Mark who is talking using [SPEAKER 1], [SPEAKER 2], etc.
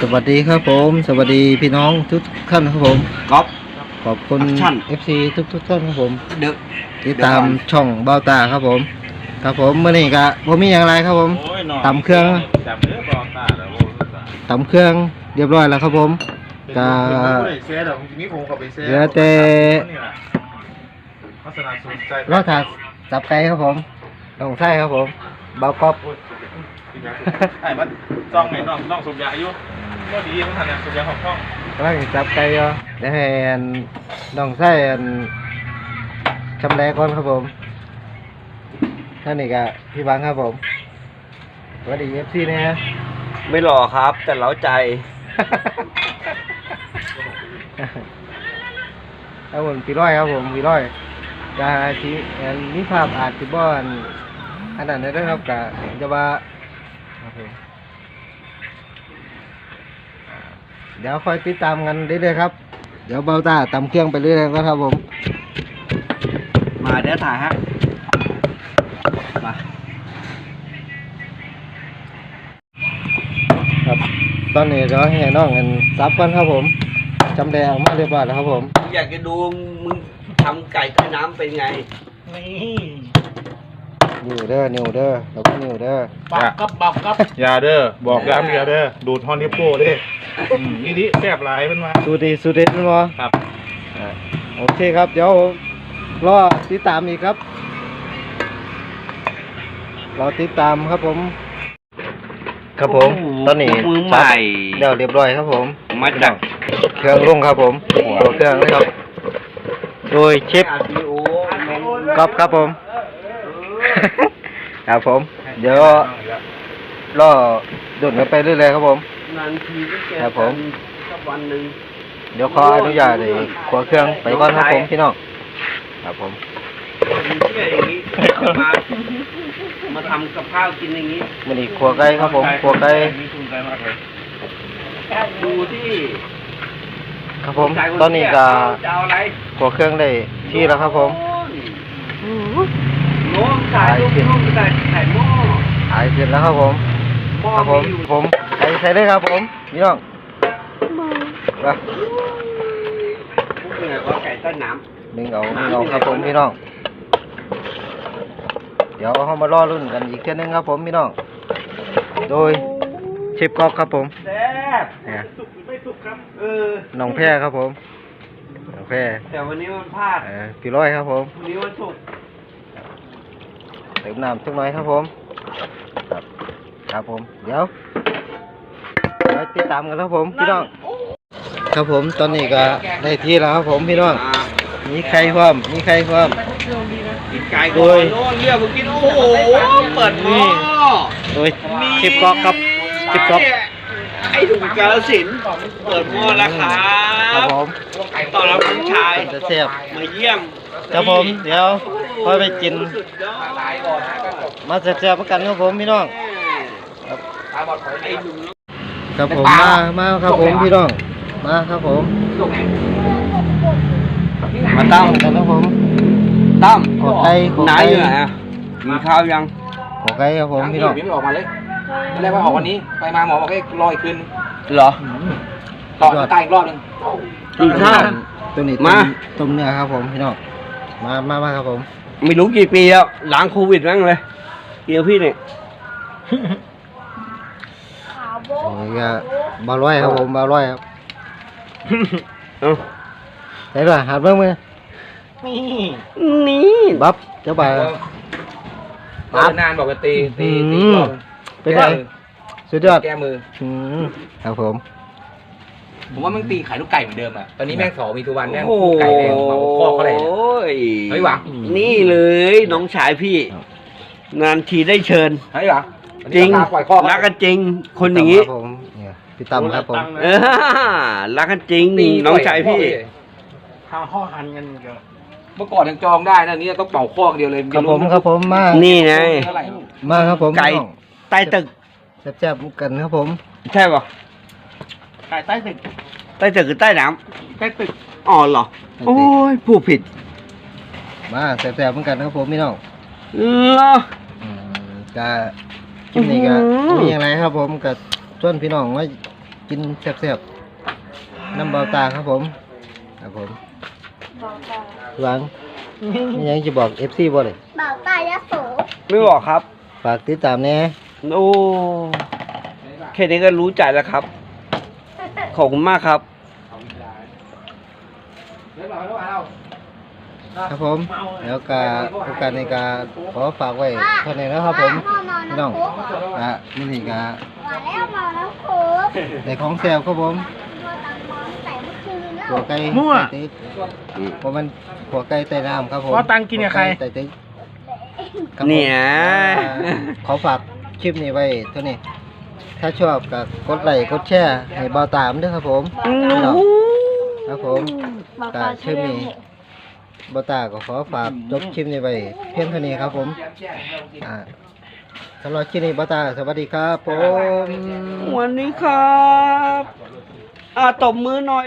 [SPEAKER 1] สวัสดีครับผมสวัสดีพี่น้องทุกท่านครับผม
[SPEAKER 2] ก๊อฟ
[SPEAKER 1] ขอบคุณ FC ทุกท่านครับผม
[SPEAKER 2] เดอะ
[SPEAKER 1] ติดตามช่องเบ้าตาครับผมครับผมเมื่อนี้ก็ผมมีอย่างไรครับผมตำเครื่องตำเครื่องเรียบร้อยแล้วครับผมก็เหลือแต่รอดถาดสับไก่ครับผมต้องใส่ครับผมเบากรอบ
[SPEAKER 3] ไอ้มันจ้องไงน้องสูบยาอายุก็ดีมันทันเนี่ยสูบยาของช่อง
[SPEAKER 1] กำลังสับไก่อยู่ได้ให้ต้องใส่ชำแหละก่อนครับผมท่านนี่ก็พี่บังครับผมสวัสดีFC นะฮะ
[SPEAKER 2] ไม่หล่อครับแต่เล้าใจ
[SPEAKER 1] ครับผมพี่ร้อยครับผมพี่ร้อยจะที่มีภาพอาจจะบ้อนอันนั้นได้ด้วยครับกะจะว่าครับผมเดี๋ยวคอยติดตามกันเรื่อยๆครับเดี๋ยวเบาตาตำเครื่องไปเรื่อยๆก็ครับผม
[SPEAKER 2] มาเดี๋ยวถ่ายฮะมา
[SPEAKER 1] ครับตอนนี้เราให้น้องกันซับกันครับผมจำแดงออกมาเรียบร้อยแล้วครับผม
[SPEAKER 2] อยากจะดูมึงทำไก่ใต้น้ำเป็นไง
[SPEAKER 1] นิวเด้อแล้วก็นิวเด้อ
[SPEAKER 3] ปักกับยาเด้อบอกยาเมียเด้อดูดฮอนนิโป้เด้นี่แซ่บหลายเป็นมา
[SPEAKER 1] สูตรดีสูตรเด็ดมั้ย
[SPEAKER 3] ครับ
[SPEAKER 1] โอเคครับเดี๋ยวรอติดตามอีกครับรอติดตามครับผมครับผมตอนนี้
[SPEAKER 2] มือใหม่
[SPEAKER 1] เดี๋ยวเรียบร้อยครับผม
[SPEAKER 2] มาจาก
[SPEAKER 1] เครื่องลงครับผมตัวเครื่องนะครับโดยเชฟก๊อฟครับผม ครับผมเดี๋ยวรอดุดกันไปเรื่อยๆครับผม
[SPEAKER 2] นานทีก็เจอ
[SPEAKER 1] ครับผม
[SPEAKER 2] สักวันหนึ่ง
[SPEAKER 1] เดี๋ยวขออนุญาตเลยขวเครื่องไปก่อนครับผมพี่น้องครับผม
[SPEAKER 2] มีเชื่ออย่างนี้มาทำกับข้าวกินอย่างนี้
[SPEAKER 1] มันอีกขวไก่ครับผมขวไก่
[SPEAKER 3] มีทุนใจมากเลย
[SPEAKER 2] ดูที่
[SPEAKER 1] ครับผมตอนนี้ก็
[SPEAKER 2] จะเอาอะไร
[SPEAKER 1] ขวเครื่องได้ที่แล้วครับผม
[SPEAKER 2] โน้มสายลูกน้มใส่หม้อ
[SPEAKER 1] หายเสร็จแล้วครับผม
[SPEAKER 2] หม้อ
[SPEAKER 1] ครับผม
[SPEAKER 2] มีอยู่
[SPEAKER 1] ผมใส่ได้ครับผมพี่น้องไป
[SPEAKER 2] เหนื่อยกว่าไก่ใต้น้
[SPEAKER 1] ดึงเอาครับผมพี่น้องเดี๋ยวเรามารอรุ่นกันอีกเท่านึงครับผมพี่น้องโดยเชฟก๊อกครับผม
[SPEAKER 2] ำแซ่บ
[SPEAKER 1] เนี่ย
[SPEAKER 2] สุกหรือไม่สุกครับ
[SPEAKER 1] น้องแพรครับผมน้องแพร
[SPEAKER 2] แต่วันนี้มันพลาด
[SPEAKER 1] พี่ร้อยครับผม
[SPEAKER 2] วันนี้วันศุกร์
[SPEAKER 1] เติมน้ำสักหน่อยครับผมครับผมเดี๋ยวติดตามกันครับผมพี่น้องครับผมตอนนี้ก็ได้ที่แล้วครับผมพี่น้องมีใครพร้อม
[SPEAKER 2] กินไก่ก่อนโน่นเรียกมากินโอ้โหเปิดหม้อ
[SPEAKER 1] โดยเชฟก๊อกครับเชฟก๊อก
[SPEAKER 2] ไอ้ถุงกาลสินธุ์เปิดหม้อแล้วครั
[SPEAKER 1] ครับ บผม
[SPEAKER 2] ตอนรับลูกชาย
[SPEAKER 1] จะเสียบ
[SPEAKER 2] มาเยี่ยม
[SPEAKER 1] ครับผมเดี๋ยวค่อยไปกิน
[SPEAKER 2] สุดยอด
[SPEAKER 1] มาแซ่บๆกันครับผมพี่น้อง
[SPEAKER 2] ไอ้หนุ่ม
[SPEAKER 1] ครับผมมาครับผมพี่น้องมาครับผม
[SPEAKER 2] มาตั้ม
[SPEAKER 1] กันครับผม
[SPEAKER 2] ตั้ม
[SPEAKER 1] ขอไก่ขอ
[SPEAKER 2] ไหน
[SPEAKER 1] ไก่
[SPEAKER 2] อยู่ไหนอ่ะกินข้าวยัง
[SPEAKER 1] ขอไก่ครับผมพี่น้อง
[SPEAKER 4] ไม่ออกมาเลยตอนแรกว่าออกวันนี้ ไปมาหมอบอกให้รออีกคืน
[SPEAKER 2] เหรอ
[SPEAKER 4] ต่อตายอีกรอบหนึง
[SPEAKER 2] กินข้าว
[SPEAKER 1] ตัวนี้
[SPEAKER 2] มา
[SPEAKER 1] ต้มเนื้อครับผมพี่น้องมาครับผม
[SPEAKER 2] ไม่รู้กี่ปีแล้วหลังโควิดมั้งเลยเกี่ยวพี่เนี่ย
[SPEAKER 1] นี่ก็บาร้อยครับผมบาร้อยครับ
[SPEAKER 2] เอา
[SPEAKER 1] ไหนล่ะหัดเบิ่งมือ
[SPEAKER 2] นี่
[SPEAKER 1] บับเจ้าบ่าว
[SPEAKER 4] นานบอกว่าตีรอบ
[SPEAKER 1] เป็นไงสุดยอด
[SPEAKER 4] แก้มือ
[SPEAKER 1] ครับผม
[SPEAKER 4] ผมว่ามึงตีขายลูกไก่เหมือนเดิมอ่ะ ตอนนี้แม่งสอมีทุกวันแม่ง
[SPEAKER 2] โอ้โห
[SPEAKER 4] ลูกไก่แม่งเหมาคอกเขาเลย
[SPEAKER 2] โอ้ย
[SPEAKER 4] เฮ้ยหวัง
[SPEAKER 2] นี่เลยน้องชายพี่ งานทีได้เชิญ
[SPEAKER 4] เฮ้ยหวัง
[SPEAKER 2] จริง
[SPEAKER 4] ปล่อยคอก
[SPEAKER 2] รักกันจริง คนอย่างนี้
[SPEAKER 1] ครับผมเนี่ยพี่ตั้มครับผม
[SPEAKER 2] เออรักกันจริงน้องชายพี่
[SPEAKER 3] ข้าวห่อหันกันเยอะ
[SPEAKER 4] เมื่อก่อนยังจองได้นะนี่ต้องเป่าคอกเดียวเลย
[SPEAKER 1] ครับผมครับผมมา
[SPEAKER 2] นี่ไง
[SPEAKER 4] เท่าไหร่
[SPEAKER 1] มาครับผม
[SPEAKER 2] ไก่
[SPEAKER 1] พี่น้อง
[SPEAKER 2] ใต้ตึก
[SPEAKER 1] แซ่บๆกันครับผม
[SPEAKER 2] ใช่ป่ะ
[SPEAKER 3] ไก่ใต้ตึก
[SPEAKER 2] ใต้ตึกหรือใต้น้
[SPEAKER 3] ใต้ตึก
[SPEAKER 2] ำอ๋อเหรอ โอ้ยผู้ผิด
[SPEAKER 1] มาแซ่บๆกันครับผมพี่น้อง
[SPEAKER 2] เหรอ
[SPEAKER 1] ก็คลิปนี้ก็
[SPEAKER 2] อื้อหือ
[SPEAKER 1] มีอย่างไรครับผมกับชวนพี่น้องว่ากินแซ่บๆน้ำเบาตาครับผมครับผมหวังมีหยังจะบอก FC บ่เลย
[SPEAKER 5] บ่าวตายะโส
[SPEAKER 2] ไม่บอกครับ
[SPEAKER 1] ฝากติดตามแน่
[SPEAKER 2] โอ้แค่นี้ก็รู้ใจแล้วครับ ขอบคุณมากครับ
[SPEAKER 1] ครับผมแล้วก็โอกาสในการขอฝากไว้เท่านี้นะครับผมพี่น้องนี่นี่ก็
[SPEAKER 5] ว่าแล้วเมาน้ำโค้ก
[SPEAKER 1] ในของแซ่บครับผม
[SPEAKER 5] ตัวตังมอนใส่เมื่อคืนแล้ว
[SPEAKER 1] หัวไก่
[SPEAKER 3] มั่ว
[SPEAKER 1] ไต่ตึกเพราะมันหัวไก่ไต่น้ำครับผม
[SPEAKER 3] ว่าตังกินกับใคร
[SPEAKER 1] หัวไก่ไต่ตึกครับผม
[SPEAKER 2] เนี่ย
[SPEAKER 1] ขอฝากคลิปนี้ไว้เท่านี้ ถ้าชอบก็กดไลค์กดแชร์ให้เบาตามด้วยครับผมครับผมก็คลิปนี้เบาตาก็ขอฝากจบคลิปนี้ไว้เพียงเท่านี้ครับผมสำหรับคลิปนี้เบาตาสวัสดีครับผม
[SPEAKER 2] วันนี้ครับตบมือหน่อย